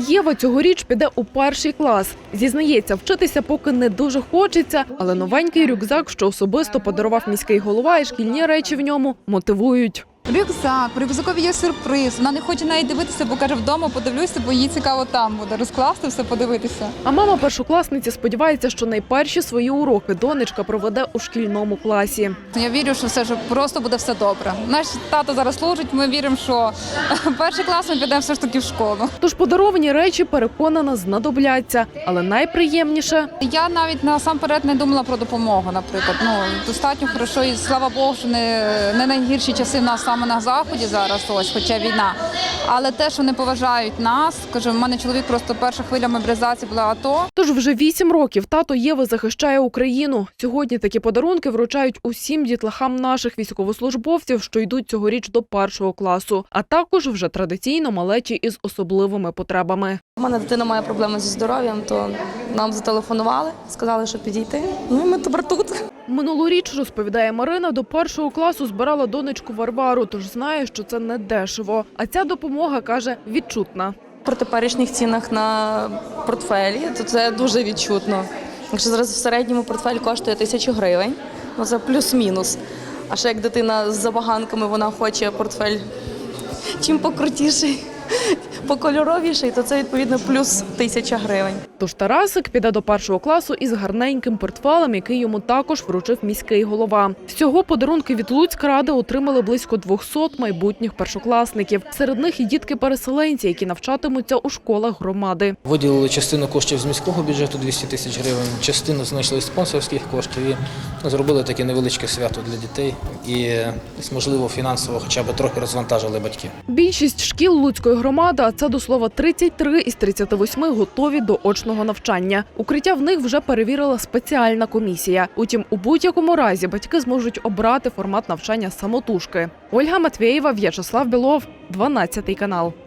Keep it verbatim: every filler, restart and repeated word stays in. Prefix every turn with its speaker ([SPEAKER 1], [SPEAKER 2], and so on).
[SPEAKER 1] Єва цьогоріч піде у перший клас. Зізнається, вчитися поки не дуже хочеться, але новенький рюкзак, що особисто подарував міський голова, і шкільні речі в ньому мотивують.
[SPEAKER 2] Рюкзак, в рюкзакові є сюрприз. Вона не хоче навіть дивитися, бо каже, вдома подивлюся, бо їй цікаво там буде розкласти все, подивитися.
[SPEAKER 1] А мама першокласниці сподівається, що найперші свої уроки донечка проведе у шкільному класі.
[SPEAKER 2] Я вірю, що все ж просто буде все добре. Наш тато зараз служить, ми віримо, що перший клас ми підемо все ж таки в школу.
[SPEAKER 1] Тож подаровані речі, переконана, знадобляться. Але найприємніше –
[SPEAKER 2] Я навіть насамперед не думала про допомогу, наприклад. Ну, достатньо хорошо і слава Богу, що не, не найгірші часи в нас саме на Заході зараз, ось, хоча війна. Але те, що не поважають нас, кажу, в мене чоловік просто перша хвиля мобілізації була АТО.
[SPEAKER 1] Тож вже вісім років тато Єви захищає Україну. Сьогодні такі подарунки вручають усім дітлахам наших військовослужбовців, що йдуть цьогоріч до першого класу. А також вже традиційно малечі із особливими потребами.
[SPEAKER 3] У мене дитина має проблеми зі здоров'ям, то нам зателефонували, сказали, що підійти. Ну і ми тепер тут.
[SPEAKER 1] Минулоріч, розповідає Марина, до першого класу збирала донечку Варвару, тож знає, що це не дешево. А ця допомога, каже, відчутна.
[SPEAKER 3] При теперішніх цінах на портфелі, то це дуже відчутно. Якщо зараз в середньому портфель коштує тисячу гривень, ну це плюс-мінус. А ще як дитина з забаганками, вона хоче портфель чим покрутіший, покольоровіший, то це відповідно плюс тисяча гривень.
[SPEAKER 1] Тож Тарасик піде до першого класу із гарненьким портфелем, який йому також вручив міський голова. Всього подарунки від Луцькради отримали близько двохсот майбутніх першокласників. Серед них і дітки-переселенці, які навчатимуться у школах громади.
[SPEAKER 4] Виділили частину коштів з міського бюджету двісті тисяч гривень, частину знайшли з спонсорських коштів і зробили таке невеличке свято для дітей і, можливо, фінансово хоча б трохи розвантажили батьків.
[SPEAKER 1] Більшість шкіл Луцької громади, а це до слова тридцять три із тридцяти восьми, готові до очного навчання. Укриття в них вже перевірила спеціальна комісія. Утім, у будь-якому разі батьки зможуть обрати формат навчання самотужки. Ольга Матвєєва, В'ячеслав Білов, дванадцятий канал.